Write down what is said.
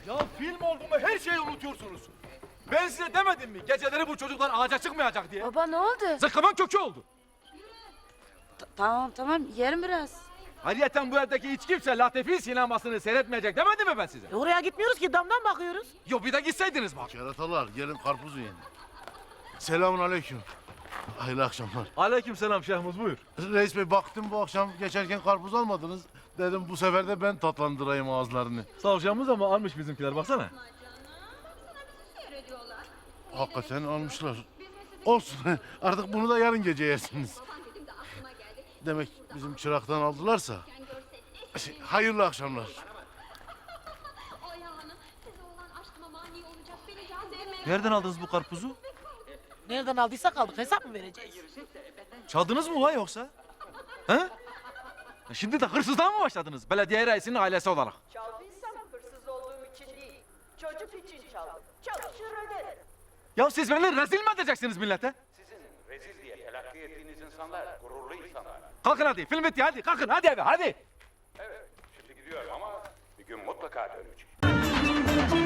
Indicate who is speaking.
Speaker 1: Ya film oldu mu her şeyi unutuyorsunuz. Ben size demedim mi geceleri bu çocuklar ağaca çıkmayacak diye?
Speaker 2: Baba ne oldu?
Speaker 1: Zıkkımın kökü oldu.
Speaker 2: Tamam yerim biraz.
Speaker 1: Ayrıyeten bu evdeki hiç kimse Latifi sinemasını seyretmeyecek demedim mi ben size?
Speaker 3: Oraya gitmiyoruz ki, damdan bakıyoruz.
Speaker 1: Yok bir de gitseydiniz bak.
Speaker 4: Keratalar gelin karpuz yiyin. Selamun aleyküm. Hayırlı akşamlar.
Speaker 1: Aleykümselam Şehmuz buyur.
Speaker 4: Reis Bey baktım bu akşam geçerken karpuz almadınız. Dedim bu sefer de ben tatlandırayım ağızlarını.
Speaker 1: Sağ ol Şehmuz ama almış bizimkiler baksana.
Speaker 4: Hakikaten almışlar. Olsun artık bunu da yarın gece yersiniz. Demek bizim çıraktan aldılarsa. Hayırlı akşamlar.
Speaker 1: Nereden aldınız bu karpuzu?
Speaker 3: Nereden aldıysak aldık, hesap mı vereceğiz?
Speaker 1: Çaldınız mı ulan yoksa? He? Şimdi de hırsızlığa mı başladınız belediye reisinin ailesi olarak?
Speaker 5: Çaldıysam hırsız olduğum için değil, çocuk için çaldım. Çalışır öderim.
Speaker 1: Ya siz beni rezil mi edeceksiniz millete?
Speaker 6: Sizin rezil diye telakki ettiğiniz insanlar gururlu insanlar.
Speaker 1: Kalkın hadi film bitti hadi kalkın hadi eve hadi.
Speaker 6: Evet, şimdi gidiyorum ama bir gün mutlaka döneceğim.